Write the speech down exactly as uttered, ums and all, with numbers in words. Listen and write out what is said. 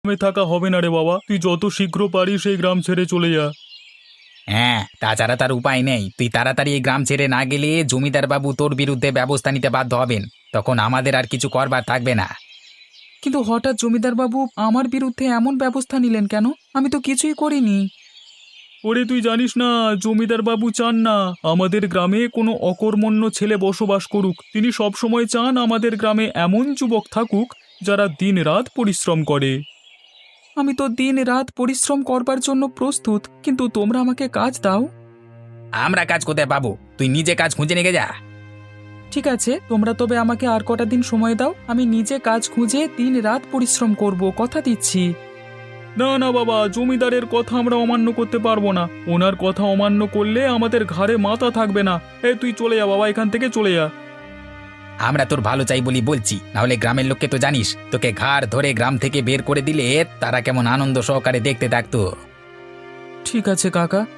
গ্রামে থাকা হবে না রে বাবা, তুই যত শীঘ্র পারিস এই গ্রাম ছেড়ে চলে যা। হ্যাঁ, তাছাড়া তার উপায় নেই। তুই তাড়াতাড়ি এই গ্রাম ছেড়ে না গেলে জমিদার বাবু তোর বিরুদ্ধে ব্যবস্থা নিতে বাধ্য হবেন। তখন আমাদের আর কিছু করবার থাকবে না। কিন্তু হঠাৎ জমিদার বাবু আমার বিরুদ্ধে এমন ব্যবস্থা নিলেন কেন? আমি তো কিছুই করিনি। ওরে তুই জানিস না, জমিদার বাবু চান না আমাদের গ্রামে কোনো অকর্মণ্য ছেলে বসবাস করুক। তিনি সব সময় চান আমাদের গ্রামে এমন যুবক থাকুক যারা দিনরাত পরিশ্রম করে। আমি তো দিন রাত পরিশ্রম করবার জন্য প্রস্তুত, কিন্তু তোমরা আমাকে কাজ দাও। আমরা কাজ কোথায় পাবো? তুই নিজে কাজ খুঁজে নিয়ে যা। ঠিক আছে, তোমরা তবে আমাকে আর কটা দিন সময় দাও। আমি নিজে কাজ খুঁজে দিন রাত পরিশ্রম করব, কথা দিচ্ছি। না না বাবা, জমিদারের কথা আমরা অমান্য করতে পারবো না। ওনার কথা অমান্য করলে আমাদের ঘাড়ে মাথা থাকবে না। এ তুই চলে যা বাবা, এখান থেকে চলে যা। আমরা তোর ভালো চাই বলি বলছি, নাহলে গ্রামের লোককে তো জানিস, তোকে ঘাড় ধরে গ্রাম থেকে বের করে দিলে তারা কেমন আনন্দ সহকারে দেখতে থাকতো। ঠিক আছে কাকা,